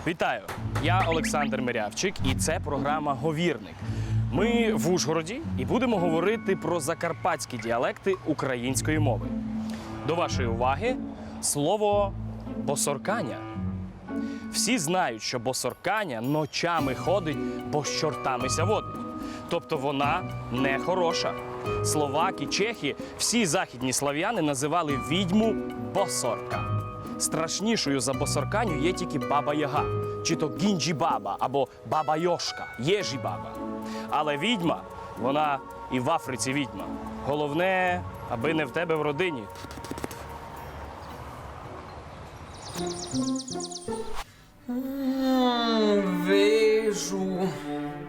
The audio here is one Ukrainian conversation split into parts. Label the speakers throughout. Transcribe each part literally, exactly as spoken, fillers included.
Speaker 1: Вітаю! Я Олександр Мирявчик, і це програма «Говірник». Ми в Ужгороді і будемо говорити про закарпатські діалекти української мови. До вашої уваги слово «босорканя». Всі знають, що босорканя ночами ходить, бо з чортамися водить. Тобто вона не хороша. Словаки, чехи, всі західні слав'яни називали відьму босорка. Страшнішою за босорканю є тільки баба-яга, чи то гінджі-баба, або баба-йошка, єжі-баба. Але відьма, вона і в Африці відьма. Головне, аби не в тебе в родині.
Speaker 2: Вижу.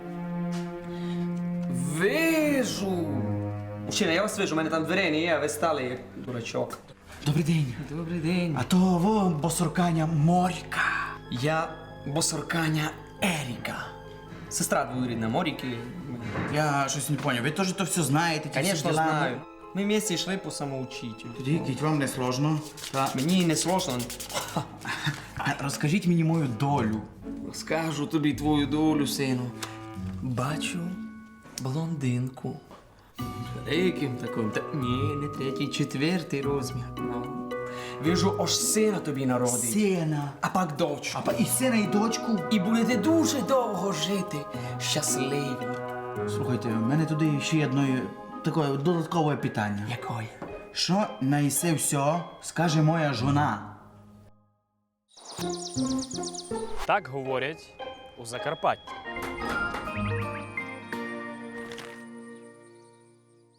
Speaker 2: Вижу. Мужчина, я вас вижу, у мене там дверей не є, а ви стали як дурачок.
Speaker 3: Добрий день.
Speaker 2: Добрий день.
Speaker 3: А то во босорканя Моріка.
Speaker 2: Я босорканя Еріка. Сестра двоюрідна Моріки.
Speaker 3: Я щось не поняв. Ви теж то все знаєте? ті всі
Speaker 2: Звісно,
Speaker 3: діла?
Speaker 2: знаю. Ми вместе йшли по самоучителю.
Speaker 3: Тоді, кіть, вам не сложно. Та...
Speaker 2: Мені не сложно.
Speaker 3: А розкажіть мені мою долю.
Speaker 2: Скажу тобі твою долю, сину. Бачу блондинку. Великим таким. Та ні, не третій, четвертий розмір. Ну. Вижу, аж сина тобі народить.
Speaker 3: Сина.
Speaker 2: А пак дочку.
Speaker 3: А па- і сина, і дочку.
Speaker 2: І будете дуже довго жити. Щасливі.
Speaker 3: Слухайте, в мене туди ще є одне таке додаткове питання.
Speaker 2: Якої?
Speaker 3: Що на ісе все скаже моя жона?
Speaker 1: Так говорять у Закарпатті.